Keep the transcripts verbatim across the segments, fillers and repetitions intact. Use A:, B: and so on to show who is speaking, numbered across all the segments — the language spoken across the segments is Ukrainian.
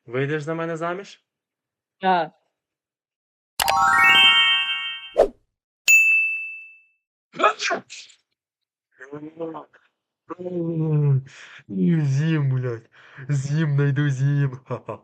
A: Вийдеш за мене заміж?
B: Да.
A: З'їм, блядь. З'їм, найду з'їм.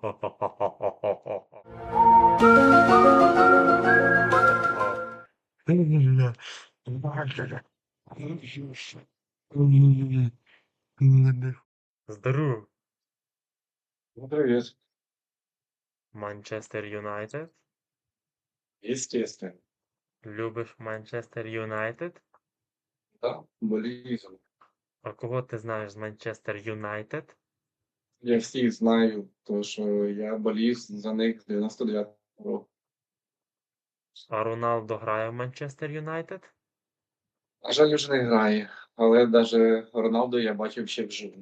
A: Здорово.
C: Ну, привет.
A: Манчестер Юнайтед.
C: Естественно.
A: Любиш Манчестер Юнайтед?
C: Да, болезнь.
A: А кого ти знаєш з Манчестер Юнайтед?
C: Я всіх знаю, тому що я болів за них з дев'яносто дев'ятого року.
A: А Роналдо грає в Манчестер Юнайтед?
C: На жаль, вже не грає, але навіть Роналду я бачив ще вживу.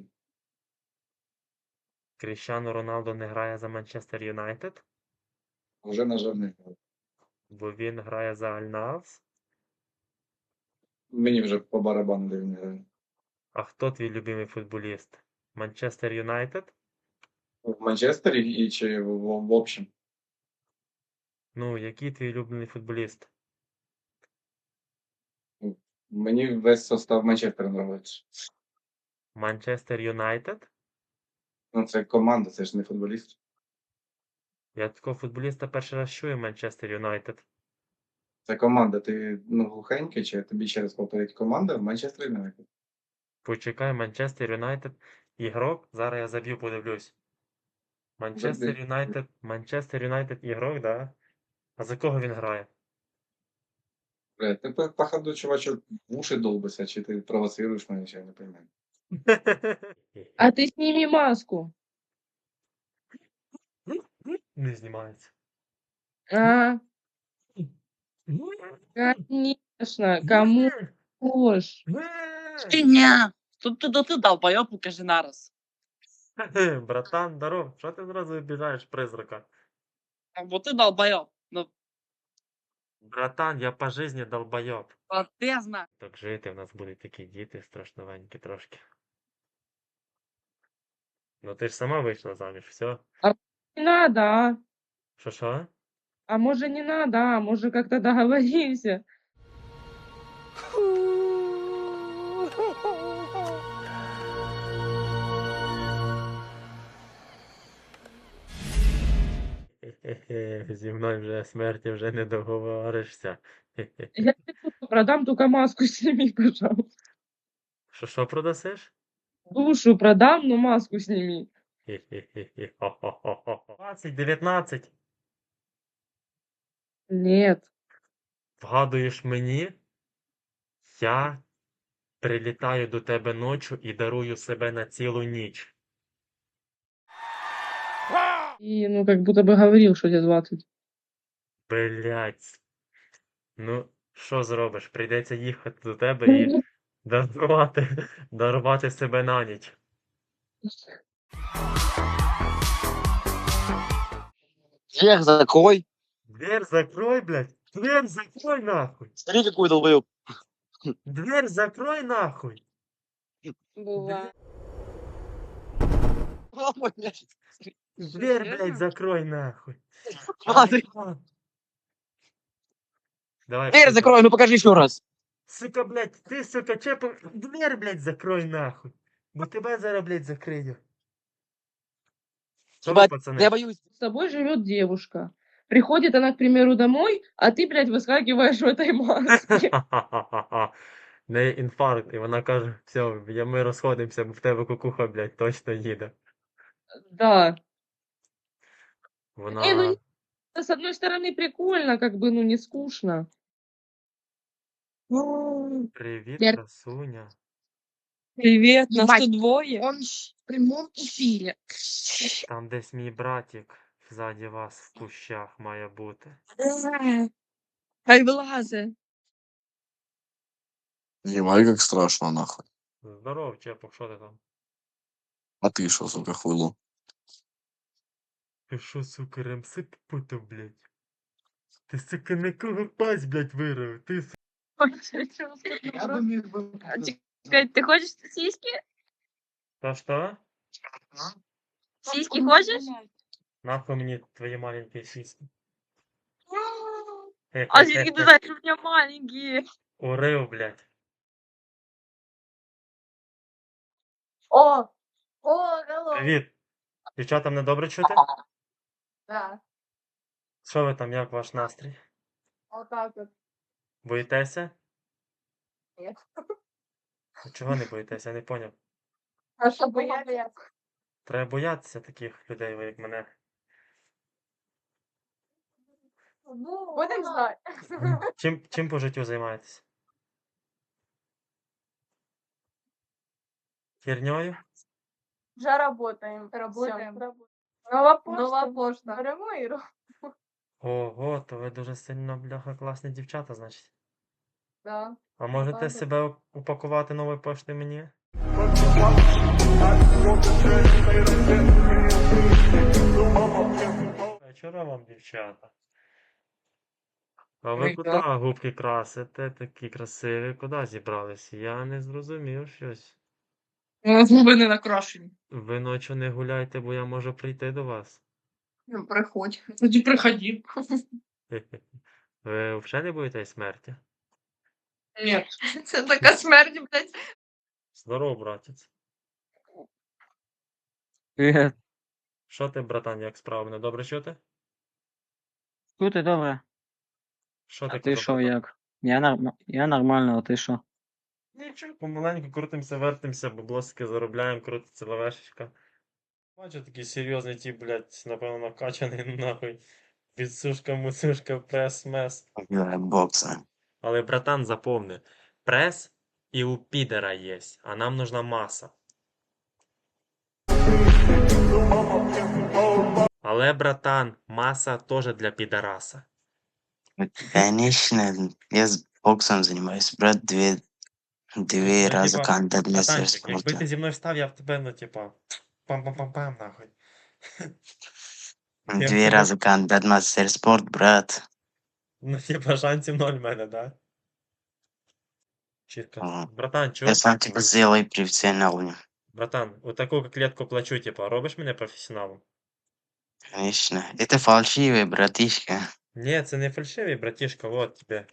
A: Кріщано Роналдо не грає за Манчестер Юнайтед,
C: Вже, на жаль, не грає.
A: бо він грає за Аль-Насср.
C: Мені вже по барабану, де він грає.
A: А хто твій любимий футболіст? Манчестер Юнайтед?
C: В Манчестері і чи в, в, в общем?
A: Ну, який твій улюблений футболіст?
C: Мені весь состав Манчестера подобається.
A: Манчестер Юнайтед?
C: Ну, це команда, це ж не футболіст.
A: Я такого футболіста перший раз чую Манчестер Юнайтед.
C: Це команда. Ти ну, глухенький, чи тобі ще раз повторити команда в Манчестері Юнайтед?
A: Почекай, Манчестер Юнайтед. Ігрок? Зараз я заб'ю, подивлюсь. Манчестер
C: Забий.
A: Юнайтед. Манчестер Юнайтед ігрок, да? А за кого він грає?
C: Блядь, ти по- походу, чувачок, в уши долбишся, чи ти провоцируєш мене, чи я не розумію.
B: А ты сними маску.
A: Не знімається.
B: А, конечно. Кому ложь?
D: Ня, тут ти, ти долбойоб, покажи нараз.
A: Братан, здоров. Що ти зразу обіжаєш призрака?
D: Бо ти долбойоб. Ну,
A: Братан, я по жизни долбойоб.
D: а ти знаєш.
A: Так жити, в нас будуть такі діти страшновенькі трошки. Ну ти ж сама вийшла заміж, все.
B: Не надо, а?
A: Що що?
B: А может не надо, а? Может как-то договоримся?
A: Хе-хе, зі мною вже смерті вже не договоришся. Хе-хе.
B: Я тебе душу продам, только маску сними, пожалуйста.
A: Що що продасиш?
B: Душу продам, но маску сними.
A: Хе-хе-хе-хе. Хо-хо-хо-хо. двадцять, дев'ятнадцять.
B: Нет.
A: Вгадуєш мені? Я прилітаю до тебе ночі і дарую себе на цілу ніч.
B: И, ну, как будто бы говорил, что тебе двадцать.
A: Блять. Ну, що зробиш? Прийдеться їхати до тебе і дарувати, дарувати себе на ніч.
D: Дверь закрой.
A: Дверь закрой, блядь. Дверь закрой нахуй.
D: Смотри, какой долбойоб.
A: Дверь закрой нахуй.
B: Была.
D: Ой, блядь.
A: Дверь, блядь,
B: Серьезно?
A: закрой нахуй.
D: Ладно.
A: Давай,
D: Дверь
A: сука.
D: закрой, ну покажи еще раз.
A: Сука, блядь, ти, сука, чепу. Дверь, блядь, закрой нахуй. Бо тебе зараз, блядь, закрию. Що ви,
D: Ебать,
A: пацани?
D: я боюсь.
B: С тобой живет девушка. Приходит она, к примеру, домой, а ты, блядь, выскакиваешь в этой маске.
A: В неї інфаркт, і вона каже, все, я- ми розходимося, бо в тебе кукуха, блядь, точно їде.
B: Да. Не, ну
A: Вона.
B: не- с одной стороны прикольно, как бы, ну не скучно.
A: Привіт,
E: Я-
A: красуня.
E: Привет, нас
B: Ебать.
E: тут двое.
B: Он в прямом эфире.
A: Там десь мій братик ззаді вас в кущах має бути.
E: Хай вилазе.
F: Ебать, как страшно, нахуй.
A: Здоров, Чепок, що ти там?
F: А ты что, сука, хуйло?
A: Ти що, сука, ремсип путав, блядь? Ти, сука, на кого пасть, блядь, вирив? Ти, сука.
E: Чекай, ты хочешь сиськи?
A: Та що?
E: Сиськи хочешь?
A: Нахуй мені твої маленькі сіськи.
E: А звідки ти знаєш, що у мене маленькі?
A: Урив, блядь.
B: О! О, алло!
A: Привіт. Дівчата, мене добре чути?
B: Да,
A: Що ви там, як ваш настрій?
B: вот так вот.
A: Боїтеся?
B: Нет.
A: Чого не боїтеся? Я не поняв.
B: А что бояться?
A: Треба боятися таких людей, ви як мене.
B: Будем знать.
A: Чим, чим по життю займаєтесь? Херньою?
B: Уже работаем. Работаем. Нова почта. Нова почта. Беремо і робимо.
A: Ого, то ви дуже сильно, бляха, класні дівчата, значить.
B: Да.
A: А можете
B: Ладно.
A: себе упакувати новою поштою мені? Вечора вам, дівчата. А ви
D: Ой,
A: куди
D: да.
A: губки красите, такі красиві? Куди зібрались? Я не зрозумів щось.
D: У нас губи не накрашені.
A: Ви ночі не гуляйте, бо я можу прийти до вас.
D: Ну, приходь. Тоді приходи.
A: Ви взагалі не боїтесь смерті?
D: Ні.
E: Це така смерть, блядь.
A: Здорово, братець.
G: Привіт.
A: Що ти, братан, як справа? Мене добре чути?
G: Чути добре.
A: Що ти
G: А ти
A: казав,
G: що,
A: братан?
G: як? Я, норм... я нормально, а ти що?
A: Нічого, помаленьку крутимося, вертимося, баблосики заробляємо, крутиться лавешечка. Бачу, такий серйозний тип, блядь, напевно, накачаний, нахуй. Підсушка, мусушка, прес, мес.
F: Играет бокса.
A: Але, братан, запомни, прес і у підера є, а нам нужна маса. Але, братан, маса теж для підараса.
F: Конечно, я с боксом занимаюсь, брат, две, две
A: Ну,
F: раза
A: типа,
F: кандидат мастер
A: Братанчик, якби
F: спорта.
A: ти зі мною став, я б тебе, ну, типа, пам-пам-пам-пам, нахуй. Я
F: Две
A: тебе-
F: раза кандидат мастер спорт, брат.
A: Ну, типа, шансів ноль в мене, да? Чітко.
F: Ага.
A: Братан, чого?
F: Я сам тебя сделаю профессионалом.
A: Братан, у таку клетку плачу, типа, робиш мене професіоналом?
F: Конечно. Это фальшивый, братишка.
A: Ні, це не фальшивий, братішка, вот тебе.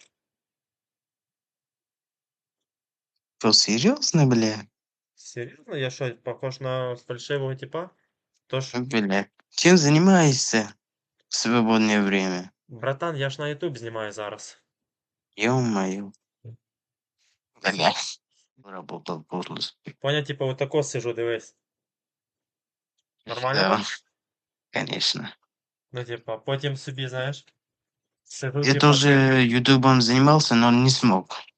F: Что, серьезно, бля?
A: Серйозно, я що, похож на фальшивого типа? Тож,
F: Бля. Чем занимаешься в свободное время?
A: братан, я ж на Ютуб знімаю зараз.
F: Ё-моё. Бля. Работал подлость.
A: Поняв, типа, отако сижу, дивись. Нормально?
F: Да,
A: так?
F: конечно.
A: Ну, типа, потім собі, знаєш, сижу,
F: Я
A: типа,
F: тоже ютубом занимался, но не смог.